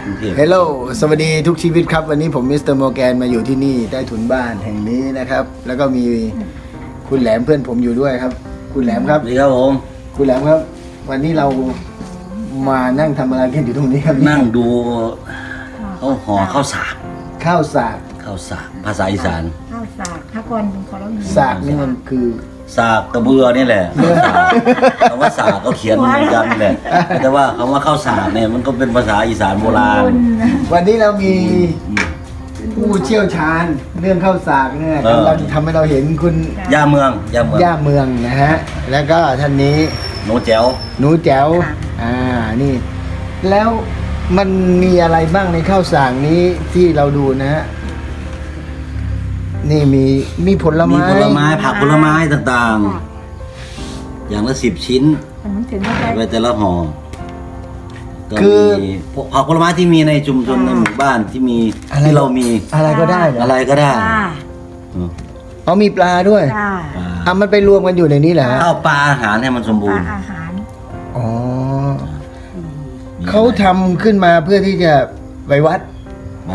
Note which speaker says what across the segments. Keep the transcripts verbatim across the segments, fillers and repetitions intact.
Speaker 1: กรุงเทพ
Speaker 2: เฮลโลสวัสดีทุกชีวิตครับวันนี้ผมมิสเตอร์โมแกนมาอยู่ที่นี่ใต้ถุนบ้านแห่งนี้นะครับแล้วก็มีคุณแหลมเพื่อนผมอยู่ด้วยครับคุณแหลมครับ
Speaker 1: สวัสดีครับผม
Speaker 2: คุณแหลมครับ วันนี้เรามานั่งทำอะไรกันอยู่ตรงนี้ครับ
Speaker 1: นั่งดูเขาห่อข้าวสาก
Speaker 2: ข้าวสาก
Speaker 1: ข้าวสากภาษาอีสาน
Speaker 3: ข้าวสากถ้าก่อนขอเราอยู่
Speaker 2: สากนี่มันคือ
Speaker 1: สากกระเบือนี่แหละสากคำว่าสากก็เขียนเหมือนกันนี่แหละแต่ว่าคำว่าข้าวสากเนี่ยมันก็เป็นภาษาอีสานโบราณ
Speaker 2: วันนี้เรามีผู้เชี่ยวชาญเรื่องข้าวสากเนี่ย
Speaker 1: เออ
Speaker 2: กำลังทำให้เราเห็นคุณ
Speaker 1: ย่าเมืองย่าเมือง
Speaker 2: ย่าเมืองนะฮะแล้วก็ท่านนี้
Speaker 1: โนแจ๋ว
Speaker 2: หนูแจ๋วอ่านี่ แล้วมันมีอะไรบ้างในข้าวสากนี้ที่เราดูนะฮะนี่มีมีผล
Speaker 1: มี
Speaker 2: ไม้
Speaker 1: ผลไม้ผักผลไม้ต่างๆ อย่างละสิบชิ้น
Speaker 3: มันถึงไม่ได้
Speaker 1: ไว้แต่ละห่อก็มีผักผลไม้ที่มีในชุมชนในหมู่บ้านที่มีที่เรามี
Speaker 2: อะไรก็ได้เหรอ
Speaker 1: อะไรก็ได้
Speaker 3: จ้า
Speaker 1: อืม
Speaker 2: อ๋อมีปลาด้วย
Speaker 3: จ้า
Speaker 2: อ่ะมันไปรวมกันอยู่ในนี้เหรอฮะ
Speaker 1: ข้าวปลาอาหารให้มันสมบูรณ์
Speaker 3: อาหาร
Speaker 2: อ๋อเขาทำขึ้นมาเพื่อที่จะไปวัด
Speaker 1: ไป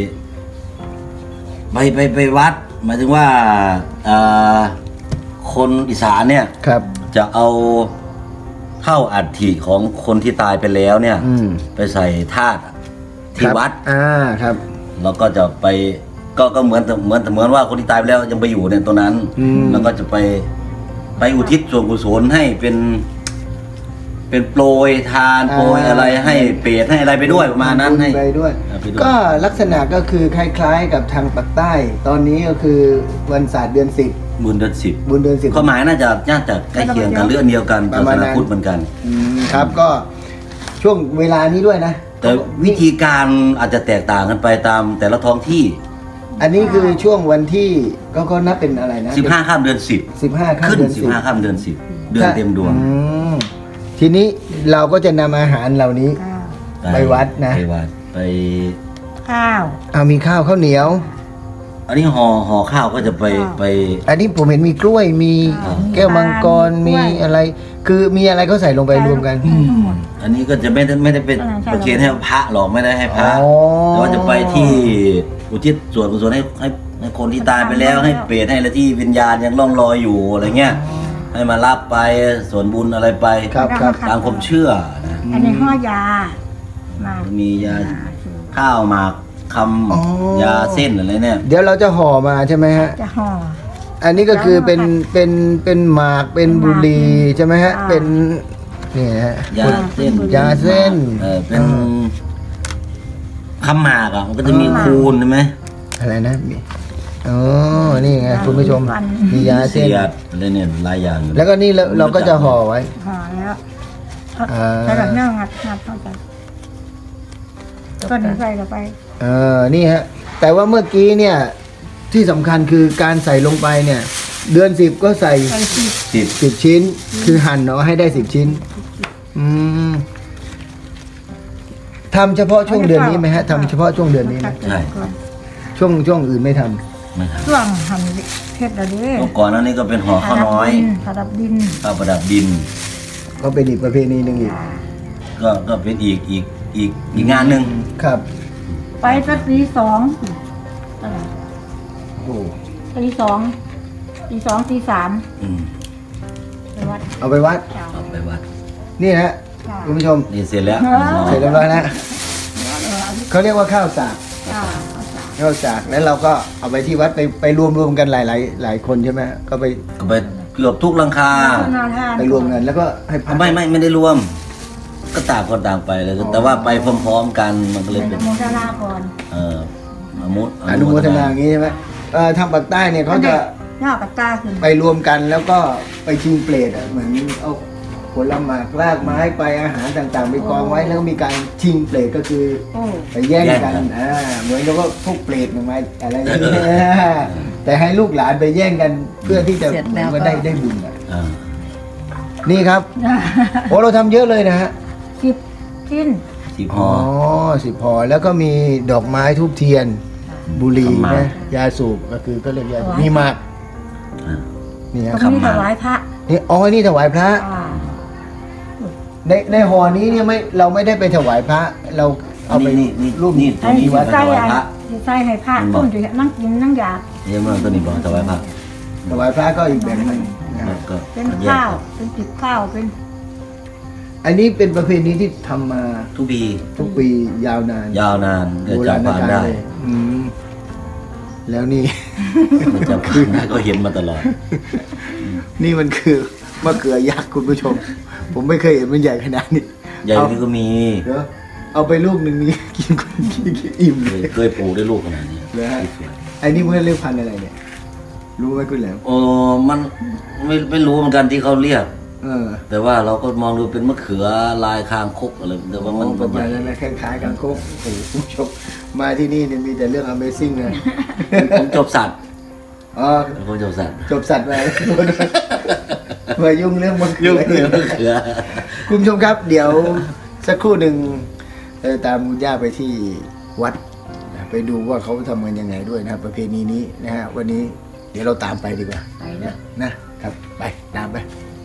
Speaker 1: ไปไปไปวัด หมายถึงว่าเอ่อคนอีสานเนี่ย
Speaker 2: ครับ
Speaker 1: จะเอาเท่าอัฐิของคนที่ตายไปแล้วเนี่ย
Speaker 2: อืม
Speaker 1: ไปใส่ธาตุที่
Speaker 2: ครับ
Speaker 1: วัด
Speaker 2: อ่าครับ
Speaker 1: แล้วก็จะไปก็ก็เหมือนเหมือนเหมือนว่าคนที่ตายไปแล้วยังไปอยู่ในตัวนั้น
Speaker 2: อืม
Speaker 1: แล้วก็จะไปไปอุทิศส่วนกุศลให้เป็น เป็นโปรยทานโปรยอะไรให้เปรตให้อะไรไปด้วยประมาณนั้นให้
Speaker 2: ไปด้วย
Speaker 1: เอาไปด้วย
Speaker 2: ก็ลักษณะก็คือคล้ายๆ กับทางปากใต้ ตอนนี้ก็คือวันศาสตร์เดือนสิบ
Speaker 1: บุญเดือนสิบ
Speaker 2: บุญเดือนสิบ
Speaker 1: ความหมายน่าจะน่าจะใกล้เคียงกันเรื่องเดียวกัน
Speaker 2: ป
Speaker 1: ศา
Speaker 2: ระมา
Speaker 1: ส
Speaker 2: ณนั้
Speaker 1: นาน พุทธเหมือนกัน
Speaker 2: อืมครับก็ช่วงเวลานี้ด้วยนะ
Speaker 1: แต่วิธีการอาจจะแตกต่างกันไปตามแต่ละท้องที่
Speaker 2: อันนี้คือช่วงวันที่ก็ก็นับเป็นอะไรนะ
Speaker 1: สิบห้าข้ามเดือนสิบ
Speaker 2: สิบห้าข้าม
Speaker 1: ขึ้น
Speaker 2: เดือน
Speaker 1: สิ
Speaker 2: สิ
Speaker 1: บบ ห้าข้ามเดือนสิบเดือนเต็มดวง
Speaker 2: อืมทีนี้เราก็จะนำอาหารเหล่านี้
Speaker 3: ข้าว
Speaker 2: ไปวัดนะ
Speaker 1: ไปวัดไป
Speaker 3: ข้าว
Speaker 2: เอามีข้าวข้าวเหนียว
Speaker 1: อันนี้ห่อห่อข้าวก็จะไป
Speaker 3: ข้าว
Speaker 1: ไป
Speaker 2: อันนี้ผมเห็นมีกล้วยมี
Speaker 3: อ่า
Speaker 2: แก้วมังกร
Speaker 3: มี
Speaker 2: มี
Speaker 3: กล้วย
Speaker 2: อะไร คือมีอะไรก็ใส่ลงไปรวมกัน
Speaker 3: ทั้งหมด
Speaker 1: อันนี้ก็จะไม่ได้ไม่ได้เป็น
Speaker 3: อ่าใช่
Speaker 1: ประเคนให้พระหรอกไม่ได้ให้พระ
Speaker 2: อ๋อ
Speaker 1: แต่ว่าจะไปที่อุทิศส่วนกุศลให้ให้ให้คนที่ตายไปแล้วให้เปรตให้อะไรที่วิญญาณยังล่องลอยอยู่อะไรเงี้ยให้มารับไปส่วนบุญอะไรไป
Speaker 2: ครับครับ
Speaker 1: ตามความเชื่อนะ
Speaker 3: อันนี้ห่อยามา
Speaker 1: มียาข้าวหมากค
Speaker 2: อ๋อ
Speaker 1: ำยาเส้นอะไรเนี่ย
Speaker 2: เดี๋ยวเราจะห่อมาใช่ไหมฮะ
Speaker 3: จะห่อ
Speaker 2: อันนี้ก็คือเป็นเป็นเป็นหมากเป็นบุหรี่ใช่ไหมฮะ
Speaker 3: อ่า
Speaker 2: เป็นนี่ฮะ
Speaker 1: ยาเส้น
Speaker 2: ยาเส้น
Speaker 1: เออเป็นคำหมากอ่ะมันก็จะมีคูณใช่ไหม
Speaker 2: อะไรนะมีอ๋อนี่ไงคุณผู้ชมมียาเส้น
Speaker 1: เสียดอะไรเนี่ยหลายอย่างอยู่
Speaker 2: แล้วก็นี่เราเราก็จะห่อไว้
Speaker 3: ห่อแล้ว
Speaker 2: อ่า
Speaker 3: แล้วแบบเนื้องัดงัดเข้าไปก็นี้ใส่เข้าไป
Speaker 2: เออนี่ฮะ แต่ว่าเมื่อกี้เนี่ย ที่สำคัญคือการใส่ลงไปเนี่ย เดือนสิบก็ใส่
Speaker 3: ใส่สิบ
Speaker 1: สิบ
Speaker 2: สิบชิ้น คือหั่นเนาะให้ได้สิบชิ้น อืมทำเฉพาะช่วงเดือนนี้ไหมฮะทำเฉพาะช่วงเดือนนี้ไหม
Speaker 1: ใช่
Speaker 2: ช่วงช่วงอื่นไม่ทำ
Speaker 1: ไม่ครับ
Speaker 3: ช่วงหั่นเพชรอะไร
Speaker 1: เมื่อก่อนหนั้นนี่ก็เป็นห่อข้าวน้อย
Speaker 3: ผาดับดิน
Speaker 1: ข้าวประดับดิน
Speaker 2: ก็เป็นอีกประเพณีหนึ่งอีก
Speaker 1: ก็ก็เป็นอีกอีกอีกอีกงานหนึ่ง
Speaker 2: ครับ
Speaker 3: ไปสักตีสองเออ
Speaker 2: โอ้
Speaker 3: ตีสองตีสองตีสาม
Speaker 1: อืม
Speaker 3: ไปวัด
Speaker 2: เอาไปวัด
Speaker 3: เจ้า
Speaker 1: เอาไปวัด
Speaker 2: นี่นะฮะ
Speaker 3: ค่ะ
Speaker 2: คุณผู้ชม
Speaker 1: นี่เสร็จแล้ว
Speaker 2: เสร็จเรียบร้อยแล้วเขาเรียกว่าข้าวสาก
Speaker 3: เจ้าเอาสาม
Speaker 2: ข้าวสากแล้วเราก็เอาไปที่วัดไปไปรวมรวมกันหลายหลายหลายคนใช่ไหมก็ไป
Speaker 1: ก็ไปเกือบทุกหลังคา
Speaker 3: คุณนาทาน
Speaker 2: ไปรวมกันแล้วก็ให้พระ
Speaker 1: ไม่ไม่ไม่ได้รวม ก็ต่างคนต่างไปเลย แต่ว่าไปพร้อมๆกันมันก็เลย
Speaker 3: เป็
Speaker 1: เป็น น
Speaker 3: โมทนาก่อน
Speaker 1: เอ่ออนุ
Speaker 2: อนุโมทนาอย่างนี้ใช่ไหมเอ่อทางปากใต้เนี่ยเขาจะ
Speaker 3: ยอดกับตาขึ้น
Speaker 2: ไปรวมกันแล้วก็ไปชิงเปรตอ่ะเหมือนเอาผลหมากรากไม้ไปอาหารต่างๆ ไปกองไว้แล้วก็มีการชิงเปรตก็คือ
Speaker 3: โอ้
Speaker 2: ไปแย่งกันอ่าเหมือนกับว่าพวกเปรตมันมาอะไรอย่างเงี้ยแต่ให้ลูกหลานไปแย่งกันเพื่อที่จะเหมือนว่าได้ได้บุญอ่ะ
Speaker 1: อ่า
Speaker 2: นี่ครับโอ้เราทำเยอะเลยนะฮะ
Speaker 3: สิบชิ้น
Speaker 1: สิบ
Speaker 2: อ๋
Speaker 1: ห่
Speaker 2: อ
Speaker 1: อ
Speaker 2: สิบพอแล้วก็มีดอกไม้ทูบเทียน บุหรี่
Speaker 1: ขมาก
Speaker 2: นะยาสูบก็คือก็เรียกยาสูบมีหมาก
Speaker 1: อ่า
Speaker 2: นี่ฮะ
Speaker 3: ก็มีถวายพระ
Speaker 2: นี่อ๋อนี่ถวายพระ
Speaker 3: อ่า
Speaker 2: ในในห่อนี้เนี่ยไม่เราไม่ได้ไปถวายพระ เราเอาไป
Speaker 1: นี่นี่
Speaker 2: รูป
Speaker 1: นี่
Speaker 3: อันนี้
Speaker 1: วัด
Speaker 3: ใส่
Speaker 1: ถวาย
Speaker 3: อัน
Speaker 1: พระ
Speaker 3: ใส่ให้พระ
Speaker 1: มันบ
Speaker 3: ต้
Speaker 1: อก
Speaker 3: นอยู่นั่งกินนั่งอยาก
Speaker 1: เยี่ยมมากตัวนี้บอกถวายพระ
Speaker 2: ถวายพระก็อีกแบบหนึงนะ
Speaker 1: แล้วก็
Speaker 3: เป็น
Speaker 1: แยก
Speaker 3: ข้าวเป็นติบข้าวเป็น
Speaker 2: อันนี้เป็นประเพณีที่ทำมา
Speaker 1: ทุกปี
Speaker 2: ทุกปียาวนาน
Speaker 1: ยาวนานเกิด
Speaker 2: โบ
Speaker 1: จา
Speaker 2: ราก ณ
Speaker 1: ผ่าน
Speaker 2: กาล
Speaker 1: ได้
Speaker 2: เลยอืมแล้วนี่
Speaker 1: เกิดจากผ่านได้ก็เห็นมาตลอด
Speaker 2: นี่มันคือมะเขือยักษ์คุณผู้ชม ผมไม่เคยเห็นมันใหญ่ขนาดนี้
Speaker 1: ใหญ่
Speaker 2: เอา
Speaker 1: นี่ก็มี
Speaker 2: เดี๋ยวเอาไปลูกหนึ่งนี้ กินคนกินกินอิ่ม
Speaker 1: เค
Speaker 2: เลย ย
Speaker 1: เคยปลูกได้ลูกขนาดนี้
Speaker 2: เลยฮะไอ้นี่มันเรียกพันธุ์อะไรเนี่ย รู้ไหมคุณแหลม
Speaker 1: โอ้มันไม่ไม่รู้เหมือนกันที่เขาเรียก
Speaker 2: เออ
Speaker 1: แต่ว่าเราก็มองดูเป็นมะเขือลายคางคกอะไรแต่ว่ามัน
Speaker 2: ป
Speaker 1: มั
Speaker 2: ระ
Speaker 1: นให
Speaker 2: มา
Speaker 1: ญ่
Speaker 2: ณนั้นนะคล้ายๆกันโคกโอ้โหคุณผู้ชมมาที่นี่เนี่ยมีแต่เรื่อง Amazing เลย
Speaker 1: ผมจบสัตว์
Speaker 2: อ๋อ
Speaker 1: ผมจบสัตว์
Speaker 2: จบสัตว์ไป มายุ่งเรื่องมะเขื
Speaker 1: ยุ่
Speaker 2: อง
Speaker 1: เรื่องมะเขือ
Speaker 2: คุณผู้ชมครับ เดี๋ยวสักครู่หนึ่งเราจะตามคุณย่าไปที่วัดนะไปดูว่าเขาทำกันยังไงด้วยนะครับประเพณีนี้นะฮะวันนี้เดี๋ยวเราตามไปดีกว่า
Speaker 3: ไปแล้ว
Speaker 2: นะครับไปตามไป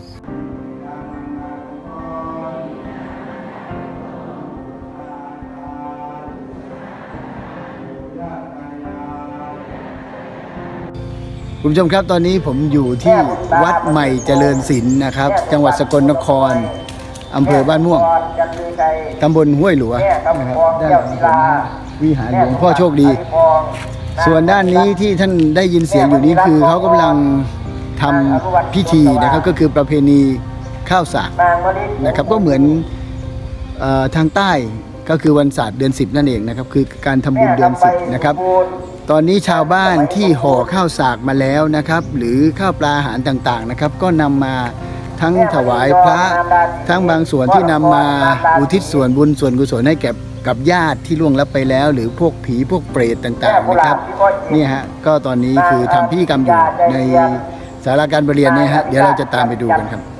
Speaker 2: คุณผู้ชมครับตอนนี้ผมอยู่ที่วัดใหม่เจริญศิลป์นะครับ จังหวัดสกลนครอำเภอบ้านม่วงตำบลห้วยหลวงนะครับด้านหลังผมวิหารหลวงพ่อโชคดี ส่วนด้านนี้ที่ท่านได้ยินเสียงอยู่นี้คือเขากำลังทำพิธีนะครับก็คือประเพณีข้าวสากนะครับก็เหมือนเออทางใต้ก็คือวันศาสตร์เดือนสิบนั่นเองนะครับคือการทำบุญเดือนสิบนะครับตอนนี้ชาวบ้านที่ห่อข้าวสากมาแล้วนะครับหรือข้าวปลาอาหารต่างๆนะครับก็นำมาทั้งถวายพระทั้งบางส่วนที่นำมาอุทิศส่วนบุญส่วนกุศลให้แก่กับญาติที่ล่วงลับไปแล้ว หรือพวกผีพวกเปรตต่างๆนะครับนี่ฮะก็ตอนนี้คือทำพิธีกรรมอยู่ในศาลาการประเรียนเนี่ยฮะเดี๋ยวเราจะตามไปดูกันครับ